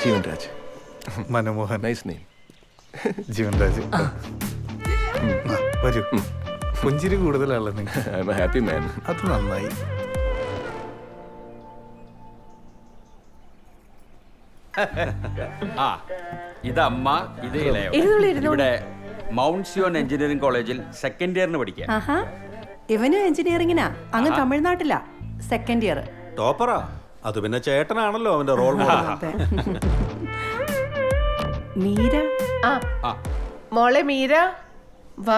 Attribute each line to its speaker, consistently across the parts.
Speaker 1: ജീവൻ Raj.
Speaker 2: Manmohan.
Speaker 1: Nice name.
Speaker 2: Jeevan Raj. വരൂ. പുഞ്ചിരി കൂടുതലാണല്ലോ നിങ്ങൾ.
Speaker 1: I am a happy man.
Speaker 2: അത് നന്നായി.
Speaker 3: ഇതമ്മ, ഇത് ഇവിടെ മൗണ്ട് സിയോൺ എഞ്ചിനീയറിംഗ് കോളേജിൽ സെക്കൻഡ് ഇയറിന് പഠിക്കുക.
Speaker 4: ഇവനും എഞ്ചിനീയറിംഗിനാ, അങ്ങ് തമിഴ്നാട്ടിലാ, സെക്കൻഡ് ഇയർ.
Speaker 5: ടോപ്പറാ. അത് പിന്നെ ചേട്ടനാണല്ലോ അവന്റെ റോൾ മോഡൽ.
Speaker 4: മീര.
Speaker 6: മോളെ മീര വാ.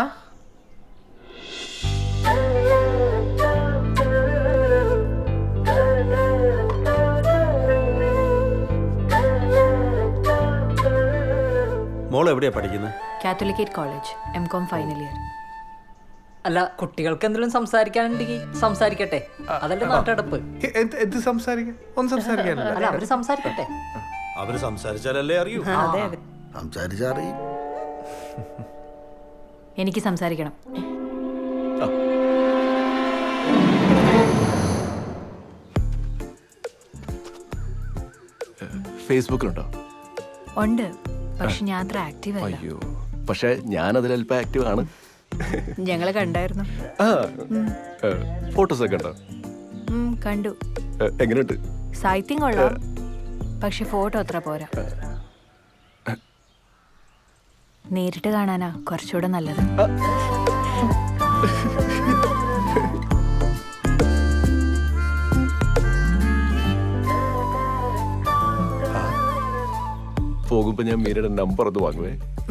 Speaker 5: മോൾ എവിടെയാ പഠിക്കുന്നത്?
Speaker 7: Catholicate college, M Com final year.
Speaker 8: അല്ല, കുട്ടികൾക്ക് എന്തെങ്കിലും സംസാരിക്കാനുണ്ടെങ്കിൽ സംസാരിക്കട്ടെ, അതല്ലേ നാട്ടടപ്പ്.
Speaker 2: എന്ത് സംസാരിക്കാൻ? ഒന്നും സംസാരിക്കാനില്ല.
Speaker 8: അല്ല, അവര് സംസാരിക്കട്ടെ.
Speaker 5: അവര് സംസാരിച്ചാലല്ലേ അറിയൂ.
Speaker 4: അതെ അതെ,
Speaker 9: സംസാരിച്ചറിയും.
Speaker 7: എനിക്ക് സംസാരിക്കണം.
Speaker 1: ഫേസ്ബുക്കിലുണ്ടോ?
Speaker 7: ഉണ്ട്, പക്ഷെ ഞാൻ അത്ര ആക്റ്റീവ് അല്ല.
Speaker 1: അയ്യോ, പക്ഷെ ഞാൻ അതിൽ അല്പം ആക്റ്റീവ് ആണ്.
Speaker 7: ഞങ്ങള് കണ്ടായിരുന്നു.
Speaker 1: ഫോട്ടോസ് ഒക്കെ ഉണ്ടോ?
Speaker 7: കണ്ടു.
Speaker 1: എങ്ങനെയുണ്ട്?
Speaker 7: സാഹിത്യം കൊള്ളാം, പക്ഷെ ഫോട്ടോ അത്ര പോരാ. നേരിട്ട് കാണാനാ കുറച്ചുകൂടെ നല്ലത്.
Speaker 1: പോകുമ്പോ ഞാൻ മീരയുടെ നമ്പർ ഒന്ന് വാങ്ങുവേ.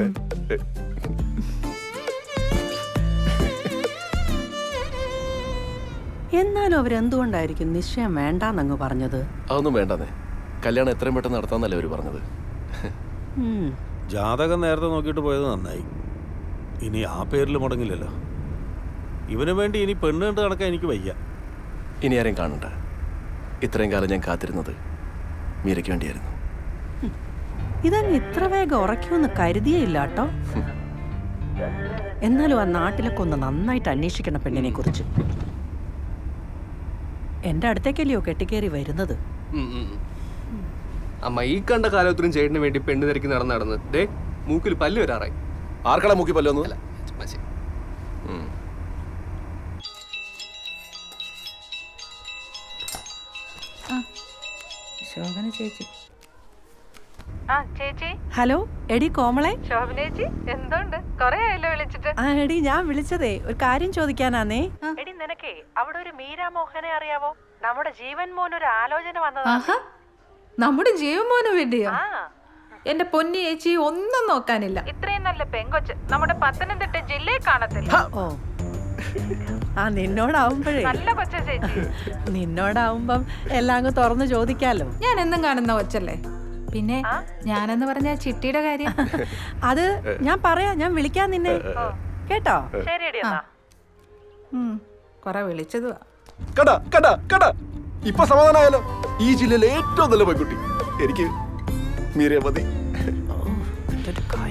Speaker 4: എന്നാലും അവരെന്തുകൊണ്ടായിരിക്കും നിശ്ചയം വേണ്ടാന്നങ്ങ് പറഞ്ഞത്?
Speaker 1: അതൊന്നും വേണ്ടെന്നേ, കല്യാണം എത്രയും പെട്ടെന്ന് നടത്താന്നല്ലേ അവര് പറഞ്ഞത്.
Speaker 5: ജാതകം നേരത്തെ നോക്കിയിട്ട് പോയത് നന്നായി. ഇനി ആ പേരിൽ മുടങ്ങില്ലല്ലോ. ഇവന് വേണ്ടി ഇനി പെണ്ണ് കണ്ട് നടക്കാൻ എനിക്ക് വയ്യ.
Speaker 1: ഇനി ആരെയും കാണണ്ട. ഇത്രയും കാലം ഞാൻ കാത്തിരുന്നത് മീരയ്ക്ക് വേണ്ടിയായിരുന്നു.
Speaker 4: ഇതങ്ങ് ഇത്ര വേഗം ഉറക്കുമെന്ന് കരുതിയേയില്ല കേട്ടോ. എന്നാലും ആ നാട്ടിലൊക്കെ ഒന്ന് നന്നായിട്ട് അന്വേഷിക്കണം പെണ്ണിനെ കുറിച്ച്. എന്റെ അടുത്തേക്കല്ലയോ കെട്ടിക്കേറി വരുന്നത്.
Speaker 9: അമ്മ, ഈ കണ്ട കാലത്തിനും ചേട്ടന് വേണ്ടി പെണ്ണ് തിരക്കി നടന്ന് ദേ മൂക്കിൽ പല്ല് വരാറായി.
Speaker 1: ആർക്കടാ മൂക്കി പല്ലൊന്നും?
Speaker 4: ശോഭന ചേച്ചി.
Speaker 6: ചേച്ചി.
Speaker 4: ഹലോ, എടി കോമളെ.
Speaker 6: ശോഭന ചേച്ചി, എന്തുണ്ട്? കൊറേ ആയല്ലോ വിളിച്ചിട്ട്.
Speaker 4: എടി, ഞാൻ വിളിച്ചതേ ഒരു കാര്യം ചോദിക്കാനാന്നേ.
Speaker 6: എടി, നിനക്കേ അവിടെ ഒരു മീരാ മോഹനെ അറിയാവോ? നമ്മുടെ ജീവൻ മോൻ ഒരു ആലോചന വന്നതാ.
Speaker 10: നമ്മുടെ ജീവമോന് വേണ്ടിയോ? എന്റെ പൊന്നി ചേച്ചി, ഒന്നും നോക്കാനില്ല.
Speaker 6: ഇത്രയും നല്ല പെങ്കൊച്ച് നമ്മുടെ പത്തനംതിട്ട ജില്ലയിൽ കാണത്തില്ല.
Speaker 4: ഓ, നിന്നോടാവുമ്പോഴേ.
Speaker 6: നല്ല കൊച്ച ചേച്ചി.
Speaker 4: നിന്നോടാവുമ്പം എല്ലാം അങ്ങ് തുറന്നു ചോദിക്കാലോ.
Speaker 10: ഞാൻ എന്നും കാണുന്ന കൊച്ചല്ലേ. പിന്നെ ഞാനെന്ന് പറഞ്ഞ ചിട്ടിയുടെ കാര്യം
Speaker 4: അത് ഞാൻ പറയാം, ഞാൻ വിളിക്കാൻ നിന്നെ, കേട്ടോ?
Speaker 6: ശരിയടി എന്നാ.
Speaker 10: കൊറേ വിളിച്ചതുവാ.
Speaker 1: കടാ കടാ കടാ, ഇപ്പൊ സമാധാനമായാലോ? ഈ ജില്ലയിലെ ഏറ്റവും നല്ല പെൺകുട്ടി എനിക്ക് മീരയെ മതി.